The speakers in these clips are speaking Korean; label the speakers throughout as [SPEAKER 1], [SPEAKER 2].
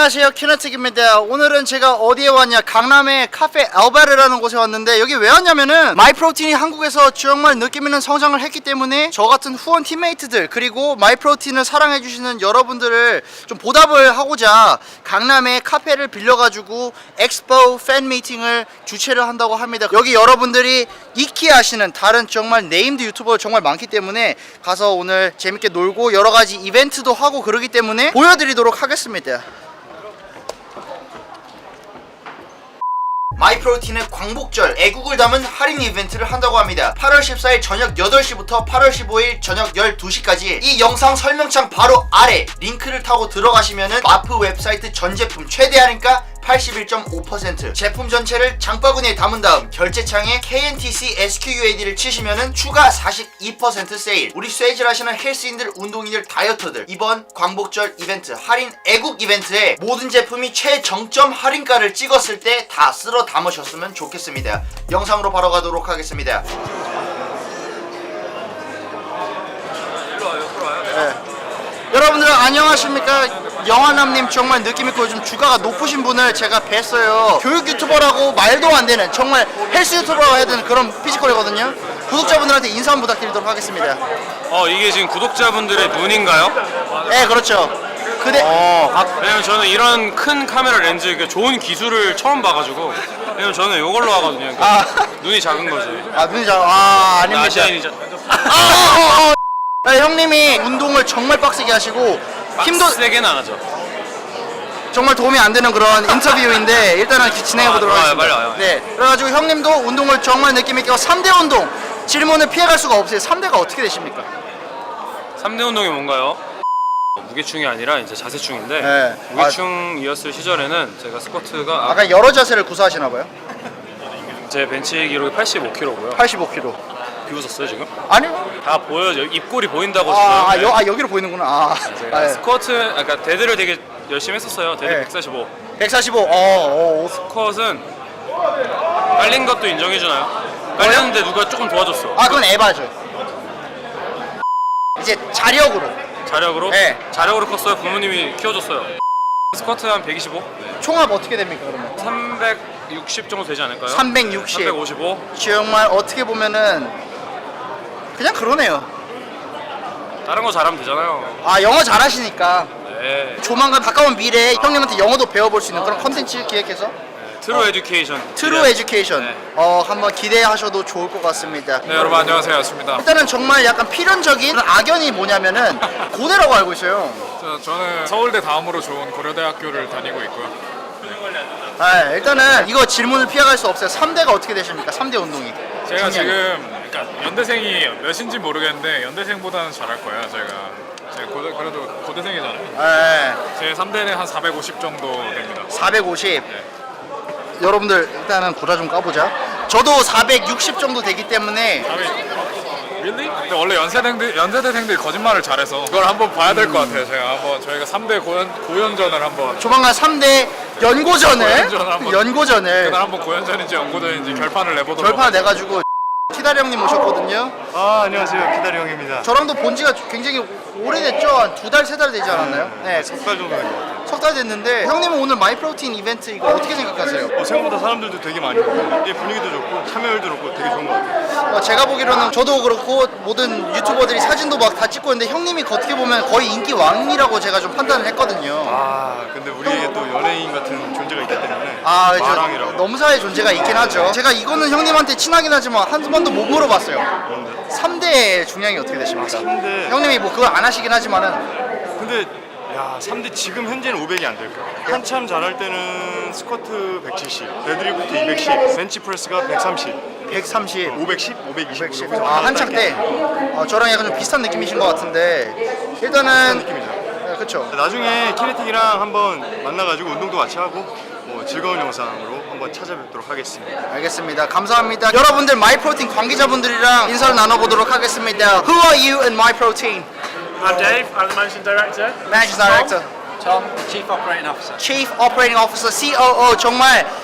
[SPEAKER 1] 안녕하세요, 키네틱입니다. 오늘은 제가 어디에 왔냐, 강남의 카페 알바르라는 곳에 왔는데, 여기 왜 왔냐면은 마이프로틴이 한국에서 정말 느낌 있는 성장을 했기 때문에 저 같은 후원 팀메이트들 그리고 마이프로틴을 사랑해주시는 여러분들을 좀 보답을 하고자 강남의 카페를 빌려가지고 엑스포 팬 미팅을 주최를 한다고 합니다. 여기 여러분들이 익히 아시는 다른 정말 네임드 유튜버 정말 많기 때문에 가서 오늘 재밌게 놀고 여러가지 이벤트도 하고 그러기 때문에 보여드리도록 하겠습니다. 마이프로틴은 광복절 애국을 담은 할인 이벤트를 한다고 합니다. 8월 14일 저녁 8시부터 8월 15일 저녁 12시까지 이 영상 설명창 바로 아래 링크를 타고 들어가시면은 마프 웹사이트 전 제품 최대 할인가 81.5% 제품 전체를 장바구니에 담은 다음 결제창에 KNTC SQUAD를 치시면은 추가 42% 세일. 우리 쇠질 하시는 헬스인들, 운동인들, 다이어터들 이번 광복절 이벤트 할인 애국 이벤트에 모든 제품이 최정점 할인가를 찍었을 때 다 쓸어 담으셨으면 좋겠습니다. 영상으로 바로 가도록 하겠습니다. 네. 여러분들 안녕하십니까? 영화남님 정말 느낌있고 요즘 주가가 높으신 분을 제가 뵀어요. 교육 유튜버라고 말도 안 되는 정말 헬스 유튜버라고 해야 되는 그런 피지컬이거든요. 구독자분들한테 인사 한번 부탁드리도록 하겠습니다.
[SPEAKER 2] 이게 지금 구독자분들의 눈인가요?
[SPEAKER 1] 네, 그렇죠.
[SPEAKER 2] 왜냐면 저는 이런 큰 카메라 렌즈, 그러니까 좋은 기술을 처음 봐가지고. 왜냐면 저는 이걸로 하거든요. 그러니까 눈이 작은 거지.
[SPEAKER 1] 눈이 아닙니다.
[SPEAKER 2] 아시아인이자.
[SPEAKER 1] 형님이 운동을 정말 빡세게 하시고 힘도
[SPEAKER 2] 세게는 안 하죠.
[SPEAKER 1] 정말 도움이 안 되는 그런 인터뷰인데 일단은 진행해 보도록 하겠습니다.
[SPEAKER 2] 빨리 와요.
[SPEAKER 1] 네, 그래가지고 형님도 운동을 정말 느낌 있게 하고 3대 운동 질문을 피해갈 수가 없어요. 3대가 어떻게 되십니까?
[SPEAKER 2] 3대 운동이 뭔가요? 무게충이 아니라 이제 자세충인데,
[SPEAKER 1] 네.
[SPEAKER 2] 무게충이었을 시절에는 제가 스쿼트가
[SPEAKER 1] 아까 여러 자세를 구사하시나 봐요.
[SPEAKER 2] 제 벤치 기록이 85kg고요.
[SPEAKER 1] 85kg.
[SPEAKER 2] 비웃었어요 지금?
[SPEAKER 1] 아니요.
[SPEAKER 2] 다 보여요. 입꼬리 보인다고 지금.
[SPEAKER 1] 여기로 보이는구나.
[SPEAKER 2] 제가 스쿼트, 아까 데드를 되게 열심히 했었어요. 데드
[SPEAKER 1] 네.
[SPEAKER 2] 145.
[SPEAKER 1] 145.
[SPEAKER 2] 스쿼트는 깔린 것도 인정해주나요? 깔렸는데 누가 조금 도와줬어.
[SPEAKER 1] 그건 에바죠. 이제 자력으로.
[SPEAKER 2] 자력으로?
[SPEAKER 1] 네.
[SPEAKER 2] 자력으로 컸어요. 부모님이 키워줬어요. 스쿼트 한 125?
[SPEAKER 1] 총합 어떻게 됩니까 그러면?
[SPEAKER 2] 360 정도 되지 않을까요?
[SPEAKER 1] 360.
[SPEAKER 2] 355?
[SPEAKER 1] 정말 어떻게 보면은 그냥 그러네요.
[SPEAKER 2] 다른 거 잘하면 되잖아요.
[SPEAKER 1] 영어 잘하시니까
[SPEAKER 2] 네.
[SPEAKER 1] 조만간 가까운 미래에 형님한테 영어도 배워볼 수 있는 그런 컨텐츠 기획해서
[SPEAKER 2] 트루 에듀케이션.
[SPEAKER 1] 트루 에듀케이션
[SPEAKER 2] 네.
[SPEAKER 1] 한번 기대하셔도 좋을 것 같습니다.
[SPEAKER 2] 네, 여러분 안녕하세요. 야스입니다.
[SPEAKER 1] 일단은 정말 약간 필연적인 악연이 뭐냐면은 고대라고 알고 있어요.
[SPEAKER 3] 저는 서울대 다음으로 좋은 고려대학교를 다니고 있고요.
[SPEAKER 1] 일단은 이거 질문을 피해갈 수 없어요. 3대가 어떻게 되십니까? 3대 운동이.
[SPEAKER 3] 제가
[SPEAKER 1] 중요한
[SPEAKER 3] 지금 그러니까 연대생이 몇인지 모르겠는데 연대생보다는 잘할 거예요. 제가 그래도 고대생이잖아요. 제 3대는 한 450 정도 됩니다.
[SPEAKER 1] 450. 여러분들 일단은 구라 좀 까보자. 저도 460 정도 되기 때문에
[SPEAKER 3] Really? 근데 원래 연세대생들이 거짓말을 잘해서 그걸 한번 봐야 될 것 같아요. 저희가 3대 고연전을 한번
[SPEAKER 1] 조만간 3대 연고전을
[SPEAKER 3] 그날 한번 고연전인지 연고전인지 결판을 내보도록
[SPEAKER 1] 결판 내가지고 키다리 형님 오셨거든요.
[SPEAKER 4] 안녕하세요. 기다리 형입니다.
[SPEAKER 1] 저랑도 본 지가 굉장히 오래됐죠? 한 2달, 3달 되지 않았나요? 네,
[SPEAKER 4] 석 달 정도 된 것 같아요.
[SPEAKER 1] 석 달 됐는데 형님은 오늘 마이프로틴 이벤트 이거 어떻게 생각하세요?
[SPEAKER 4] 생각보다 사람들도 되게 많이 오고 분위기도 좋고 참여율도 좋고 되게 좋은 것 같아요.
[SPEAKER 1] 제가 보기로는 저도 그렇고 모든 유튜버들이 사진도 막 다 찍고 있는데 형님이 어떻게 보면 거의 인기 왕이라고 제가 좀 판단을 했거든요.
[SPEAKER 4] 근데 우리에게 또 연예인 같은 존재가 있기 때문에
[SPEAKER 1] 그렇죠.
[SPEAKER 4] 마랑이라고.
[SPEAKER 1] 넘사의 존재가 있긴 하죠. 제가 이거는 형님한테 친하긴 하지만 한 번도 못 물어봤어요.
[SPEAKER 4] 그런데
[SPEAKER 1] 3대 중량이 어떻게 되십니까?
[SPEAKER 4] 3대
[SPEAKER 1] 형님이 뭐 그걸 안 하시긴 하지만은
[SPEAKER 4] 근데 3대 지금 현재는 500이 안 될 거예요. 한참 잘할 때는 스쿼트 170, 데드리프트 210, 벤치프레스가 130,
[SPEAKER 1] 130,
[SPEAKER 4] 510, 520.
[SPEAKER 1] 110. 한창 때 저랑 약간 좀 비슷한 느낌이신 것 같은데 일단은
[SPEAKER 4] 느낌이죠.
[SPEAKER 1] 네, 그렇죠.
[SPEAKER 4] 나중에 키네틱이랑 한번 만나가지고 운동도 같이 하고 즐거운 영상으로 한번 찾아뵙도록 하겠습니다.
[SPEAKER 1] 알겠습니다. 감사합니다. 여러분들 마이프로틴 관계자분들이랑 인사를 나눠보도록 하겠습니다. Who are you in MyProtein?
[SPEAKER 5] I'm Dave, I'm the Managing Director.
[SPEAKER 1] Managing Director.
[SPEAKER 5] Tom, Chief Operating Officer.
[SPEAKER 1] Chief Operating Officer, COO. 정말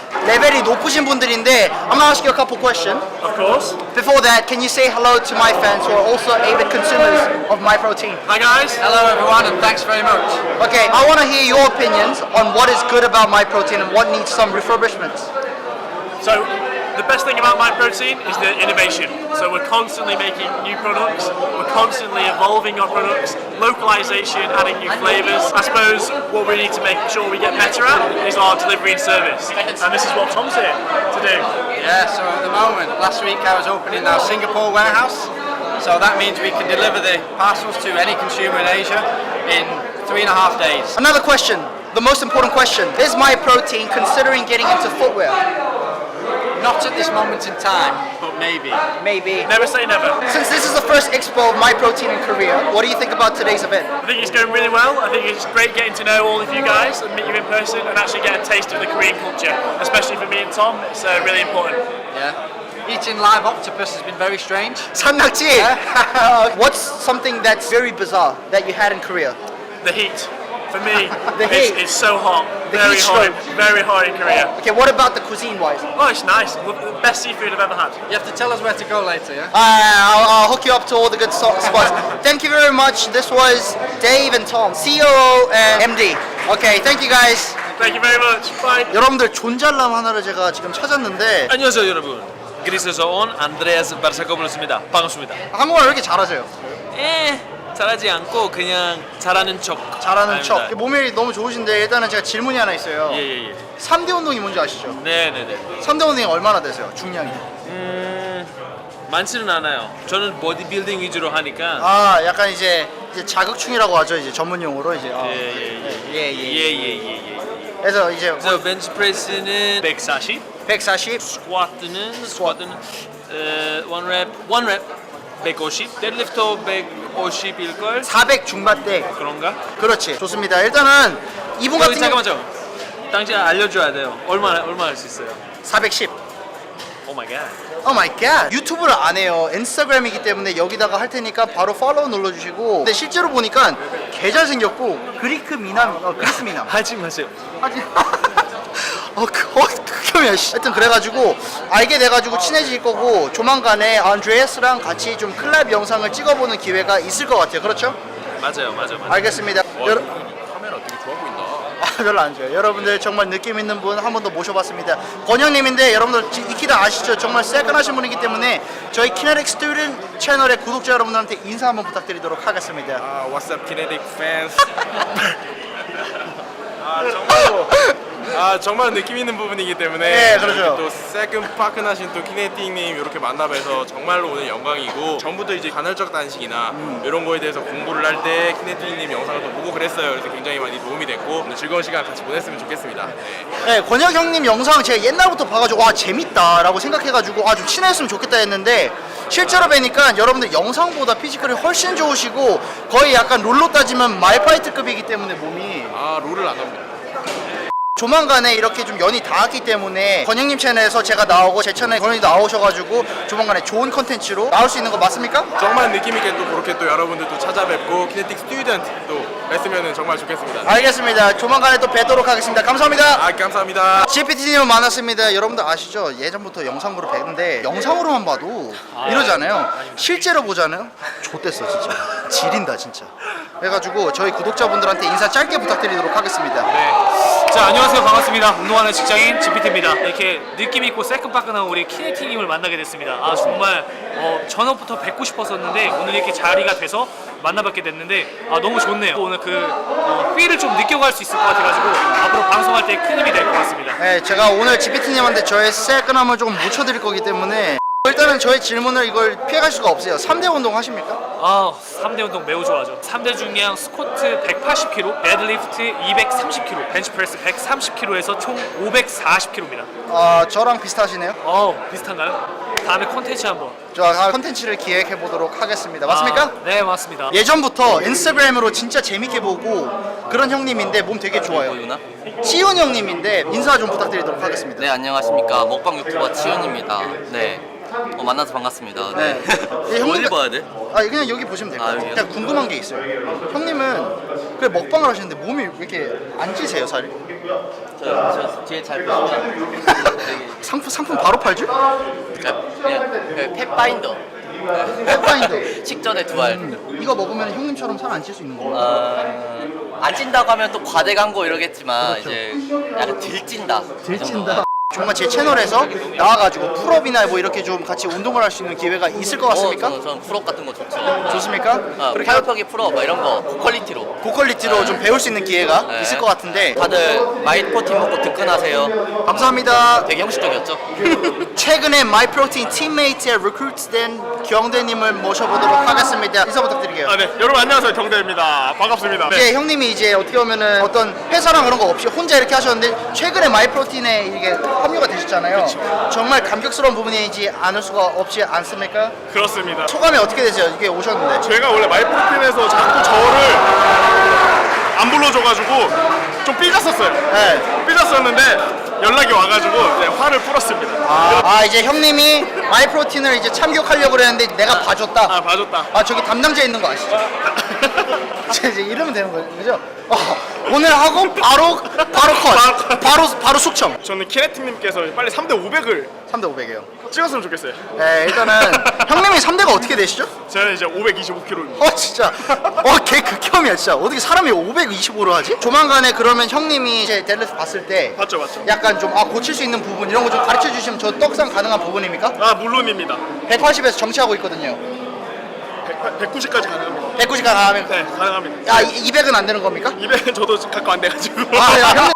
[SPEAKER 1] 레벨이 높으신 분들인데 I'm gonna ask you a couple questions.
[SPEAKER 5] Of course.
[SPEAKER 1] Before that, can you say hello to my fans who are also avid consumers of MyProtein?
[SPEAKER 5] Hi guys.
[SPEAKER 6] Hello everyone and thanks very much.
[SPEAKER 1] Okay, I want to hear your opinions on what is good about MyProtein and what needs some refurbishments.
[SPEAKER 5] So the best thing about MyProtein is the innovation. So we're constantly making new products, we're constantly evolving our products, localization, adding new flavors. I suppose what we need to make sure we get better at is our delivery and service. And this is what Tom's here to do.
[SPEAKER 6] Yeah, so at the moment, last week I was opening our Singapore warehouse. So that means we can deliver the parcels to any consumer in Asia in 3.5 days.
[SPEAKER 1] Another question, the most important question. Is MyProtein considering getting into footwear?
[SPEAKER 6] Not at this moment in time, but maybe.
[SPEAKER 1] Maybe.
[SPEAKER 5] Never say never.
[SPEAKER 1] Since this is the first expo of MyProtein in Korea, what do you think about today's event?
[SPEAKER 5] I think it's going really well. I think it's great getting to know all of you guys and meet you in person and actually get a taste of the Korean culture, especially for me and Tom. It's really important.
[SPEAKER 6] Yeah. Eating live octopus has been very strange.
[SPEAKER 1] 산낙지! What's something that's very bizarre that you had in Korea?
[SPEAKER 5] The heat. For me,
[SPEAKER 1] The heat.
[SPEAKER 5] it's so hot.
[SPEAKER 1] The
[SPEAKER 5] Very
[SPEAKER 1] heat
[SPEAKER 5] hot.
[SPEAKER 1] stroke.
[SPEAKER 5] Very hot in Korea.
[SPEAKER 1] Okay, what about the cuisine-wise?
[SPEAKER 5] Oh, it's nice. Best seafood I've ever had.
[SPEAKER 6] You have to tell us where to go later, yeah?
[SPEAKER 1] I'll hook you up to all the good spots. Thank you very much. This was Dave and Tom, COO and MD. Okay, thank you guys.
[SPEAKER 5] Thank you very much. Bye.
[SPEAKER 1] 여러분들 존잘남 하나를 제가 지금 찾았는데
[SPEAKER 7] 안녕하세요 여러분. 그리스에서 온 안드레아스 바르사코블로스입니다. 반갑습니다.
[SPEAKER 1] 한국말 왜 이렇게 잘하세요?
[SPEAKER 7] 잘하지 않고 그냥 잘하는 척.
[SPEAKER 1] 잘하는 척.
[SPEAKER 7] 아닙니다.
[SPEAKER 1] 몸이 너무 좋으신데 일단은 제가 질문이 하나 있어요.
[SPEAKER 7] 예예예.
[SPEAKER 1] 3대 운동이 뭔지 아시죠?
[SPEAKER 7] 네네네.
[SPEAKER 1] 3대 운동이 얼마나 되세요? 중량이?
[SPEAKER 7] 많지는 않아요. 저는 보디빌딩 위주로 하니까.
[SPEAKER 1] 아, 약간 이제 자극충이라고 하죠. 이제 전문 용어로 이제.
[SPEAKER 7] 예예예.
[SPEAKER 1] 그래서 이제
[SPEAKER 7] 그래서 벤치프레스는 140,
[SPEAKER 1] 140,
[SPEAKER 7] 스쿼트는 원랩 150, 데드리프트 150일 걸.
[SPEAKER 1] 400 중반대.
[SPEAKER 7] 그런가?
[SPEAKER 1] 그렇지. 좋습니다. 일단은 이분 같은 경우
[SPEAKER 7] 잠깐만요. 당신 알려줘야 돼요. 얼마 할 수 있어요?
[SPEAKER 1] 410.
[SPEAKER 7] 오 마이 갓.
[SPEAKER 1] 오 마이 갓. 유튜브를 안 해요. 인스타그램이기 때문에 여기다가 할 테니까 바로 팔로우 눌러주시고. 근데 실제로 보니까 개 잘생겼고 그리스 미남.
[SPEAKER 7] 하지 마세요.
[SPEAKER 1] 하지. 극혐이야. 하여튼 그래가지고 알게 돼가지고 친해질 거고 조만간에 안드레아스랑 같이 좀 콜라보 영상을 찍어보는 기회가 있을 것 같아요. 그렇죠?
[SPEAKER 7] 맞아요.
[SPEAKER 1] 알겠습니다.
[SPEAKER 7] 카메라 되게 좋아 보인다.
[SPEAKER 1] 별로 안 좋아요. 여러분들 정말 느낌 있는 분 한 번 더 모셔봤습니다. 권영님인데 여러분들 익히다 아시죠? 정말 세끈하신 분이기 때문에 저희 키네틱 스튜던트 채널의 구독자 여러분들한테 인사 한번 부탁드리도록 하겠습니다.
[SPEAKER 4] What's up, Kinetic fans? 정말 느낌 있는 부분이기 때문에
[SPEAKER 1] 네, 그렇죠.
[SPEAKER 4] 이렇게 또 새끈파끈하신 또 키네틱님 이렇게 만나뵈서 정말로 오늘 영광이고 전부터 이제 간헐적 단식이나 이런 거에 대해서 공부를 할 때 키네틱님 영상을 또 보고 그랬어요. 그래서 굉장히 많이 도움이 됐고 오늘 즐거운 시간 같이 보냈으면 좋겠습니다.
[SPEAKER 1] 네, 권혁 형님 영상 제가 옛날부터 봐가지고 와 재밌다라고 생각해가지고 좀 친해졌으면 좋겠다 했는데 실제로 뵈니까 여러분들 영상보다 피지컬이 훨씬 좋으시고 거의 약간 롤로 따지면 말파이트급이기 때문에 몸이
[SPEAKER 4] 롤을 안 합니다.
[SPEAKER 1] 조만간에 이렇게 좀 연이 닿았기 때문에 권영님 채널에서 제가 나오고 제 채널에 권영이 나오셔가지고 조만간에 좋은 컨텐츠로 나올 수 있는 거 맞습니까?
[SPEAKER 4] 정말 느낌 있게 또 그렇게 또 여러분들 또 찾아뵙고 키네틱 스튜던트 또 뵀으면 정말 좋겠습니다.
[SPEAKER 1] 알겠습니다. 조만간에 또 뵙도록 하겠습니다. 감사합니다.
[SPEAKER 4] 감사합니다.
[SPEAKER 1] GPT님을 만났습니다. 여러분들 아시죠? 예전부터 영상으로 뵀는데 영상으로만 봐도 이러잖아요. 실제로 보잖아요. 좆됐어 진짜. 지린다 진짜. 그래가지고 저희 구독자분들한테 인사 짧게 부탁드리도록 하겠습니다.
[SPEAKER 8] 자, 안녕하세요. 반갑습니다. 운동하는 직장인 GPT입니다. 이렇게 느낌 있고 새끈빠끈한 우리 키네틱님을 만나게 됐습니다. 정말 전부터 뵙고 싶었었는데 오늘 이렇게 자리가 돼서 만나뵙게 됐는데 너무 좋네요. 오늘 그 휠을 좀 느껴갈 수 있을 것 같아가지고 앞으로 방송할 때 큰 힘이 될 것 같습니다.
[SPEAKER 1] 네, 제가 오늘 GPT님한테 저의 새끈함을 조금 묻혀드릴 거기 때문에 일단은 저의 질문을 이걸 피해갈 수가 없어요. 3대 운동 하십니까?
[SPEAKER 8] 3대 운동 매우 좋아하죠. 3대 중량 스쿼트 180kg, 데드리프트 230kg, 벤치프레스 130kg에서 총 540kg입니다.
[SPEAKER 1] 저랑 비슷하시네요.
[SPEAKER 8] 비슷한가요? 다음에 콘텐츠 한번.
[SPEAKER 1] 저 컨텐츠를 기획해 보도록 하겠습니다. 맞습니까?
[SPEAKER 8] 네, 맞습니다.
[SPEAKER 1] 예전부터 인스타그램으로 진짜 재밌게 보고 그런 형님인데 몸 되게 좋아요. 치훈 형님인데 인사 좀 부탁드리도록 하겠습니다.
[SPEAKER 9] 네, 안녕하십니까. 먹방 유튜버 치훈입니다. 네. 만나서 반갑습니다. 네. 어디 봐야 돼?
[SPEAKER 1] 그냥 여기 보시면 돼요.
[SPEAKER 9] 여기요?
[SPEAKER 1] 그냥 궁금한 게 있어요. 형님은 그 먹방을 하시는데 몸이 왜 이렇게 안 찌세요, 살이?
[SPEAKER 9] 저 뒤에 잘 보시면
[SPEAKER 1] 상품 바로 팔죠?
[SPEAKER 9] 그냥 펫바인더.
[SPEAKER 1] 펫바인더.
[SPEAKER 9] 식전에 두 알.
[SPEAKER 1] 이거 먹으면 형님처럼 살 안 찔 수 있는 거예요?
[SPEAKER 9] 안 찐다고 하면 또 과대 광고 이러겠지만
[SPEAKER 1] 그렇죠.
[SPEAKER 9] 이제 약간 들찐다.
[SPEAKER 1] 들찐다. 정말 제 채널에서 나와가지고 풀업이나 뭐 이렇게 좀 같이 운동을 할 수 있는 기회가 있을 것 같습니까?
[SPEAKER 9] 저는 풀업 같은 거 좋죠.
[SPEAKER 1] 좋습니까? 그렇게
[SPEAKER 9] 팔굽혀기 풀업 막 이런 거 고퀄리티로.
[SPEAKER 1] 고퀄리티로 좀 배울 수 있는 기회가
[SPEAKER 9] 네.
[SPEAKER 1] 있을 것 같은데
[SPEAKER 9] 다들 마이프로틴 먹고 득근하세요.
[SPEAKER 1] 감사합니다.
[SPEAKER 9] 되게 형식적이었죠?
[SPEAKER 1] 최근에 마이프로틴 팀메이트에 리크루트된 경대님을 모셔보도록 하겠습니다. 인사 부탁드릴게요.
[SPEAKER 3] 네, 여러분 안녕하세요. 경대입니다. 반갑습니다.
[SPEAKER 1] 이제 형님이 이제 어떻게 보면은 어떤 회사랑 그런 거 없이 혼자 이렇게 하셨는데 최근에 마이프로틴에 이게 합류가 되셨잖아요. 정말 감격스러운 부분이지 않을 수가 없지 않습니까?
[SPEAKER 3] 그렇습니다.
[SPEAKER 1] 소감이 어떻게 되세요? 이게 오셨는데.
[SPEAKER 3] 제가 원래 마이프로틴에서 자꾸 저를 안 불러줘가지고 좀 삐졌었어요.
[SPEAKER 1] 네.
[SPEAKER 3] 삐졌었는데 연락이 와가지고 이제 화를 풀었습니다.
[SPEAKER 1] 이제 형님이 마이프로틴을 이제 참교하려고 그랬는데 내가 봐줬다.
[SPEAKER 3] 봐줬다.
[SPEAKER 1] 저기 담당자 있는 거 아시죠? 이제 이러면 되는 거죠, 그죠? 오늘 하고 바로 컷, 바로 숙청.
[SPEAKER 3] 저는 키네틱님께서 빨리 3대 500을
[SPEAKER 1] 3대 500이에요.
[SPEAKER 3] 찍었으면 좋겠어요.
[SPEAKER 1] 네, 일단은 형님이 3대가 어떻게 되시죠?
[SPEAKER 3] 저는 이제 525kg입니다.
[SPEAKER 1] 진짜. 걔 극혐이야, 진짜. 어떻게 사람이 525로 하지? 조만간에 그러면 형님이 제 델레스 봤을 때
[SPEAKER 3] 맞죠.
[SPEAKER 1] 약간 좀 고칠 수 있는 부분 이런 거 좀 가르쳐 주시면 저 떡상 가능한 부분입니까?
[SPEAKER 3] 물론입니다.
[SPEAKER 1] 180에서 정치하고 있거든요.
[SPEAKER 3] 190까지 가능합니다.
[SPEAKER 1] 190 가능하면.
[SPEAKER 3] 네, 가능합니다.
[SPEAKER 1] 200은 안 되는 겁니까?
[SPEAKER 3] 200은 저도 갖고 안 돼가지고.
[SPEAKER 1] 야, 형님.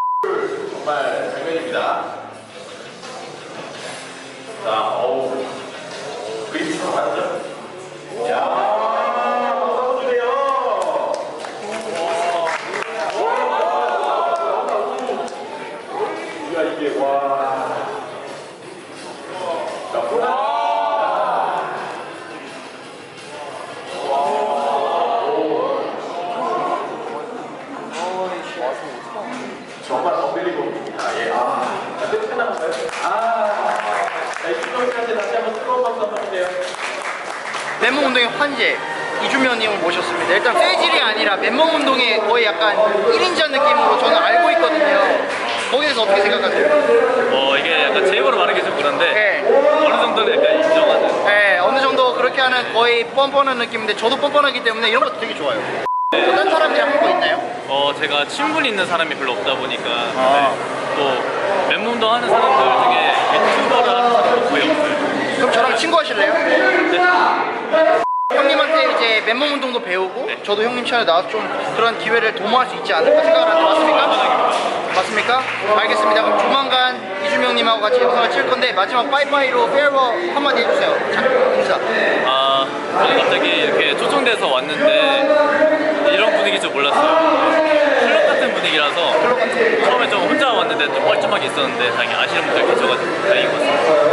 [SPEAKER 1] 맨몸 운동의 환제 이주면님을 모셨습니다. 일단 페이질이 아니라 맨몸 운동의 거의 약간 1인자 느낌으로 저는 알고 있거든요. 거기에 대해서 어떻게 생각하세요?
[SPEAKER 7] 이게 약간 제 입으로 말하기 좀 그런데
[SPEAKER 1] 네.
[SPEAKER 7] 어느 정도는 약간 인정하는.
[SPEAKER 1] 네, 어느 정도 그렇게 하는 거의 뻔뻔한 느낌인데 저도 뻔뻔하기 때문에 이런 것도 되게 좋아요. 다른 사람들이 하는 거 있나요?
[SPEAKER 7] 제가 친분이 있는 사람이 별로 없다 보니까 또 맨몸도 하는 사람들 중에 유튜버를 하는 사람도 거의 없어요.
[SPEAKER 1] 그럼 저랑 친구 하실래요?
[SPEAKER 7] 네.
[SPEAKER 1] 형님한테 이제 맨몸 운동도 배우고 저도 형님 채널에 나와서 좀 그런 기회를 도모할 수 있지 않을까 생각을 하는데 맞습니까? 맞습니까? 알겠습니다. 그럼 조만간 이주명 형님하고 같이 영상을 찍을 건데 마지막 빠이빠이로 페어웨어 한마디 해주세요. 자, 인사.
[SPEAKER 7] 저는 갑자기 이렇게 초청돼서 왔는데 이런 분위기일 줄 몰랐어요. 클럽 같은 분위기라서 처음에 좀 혼자 왔는데 좀 뻘쭘하게 있었는데 다행히 아시는 분들 계셔가지고 다행인 것 같습니다.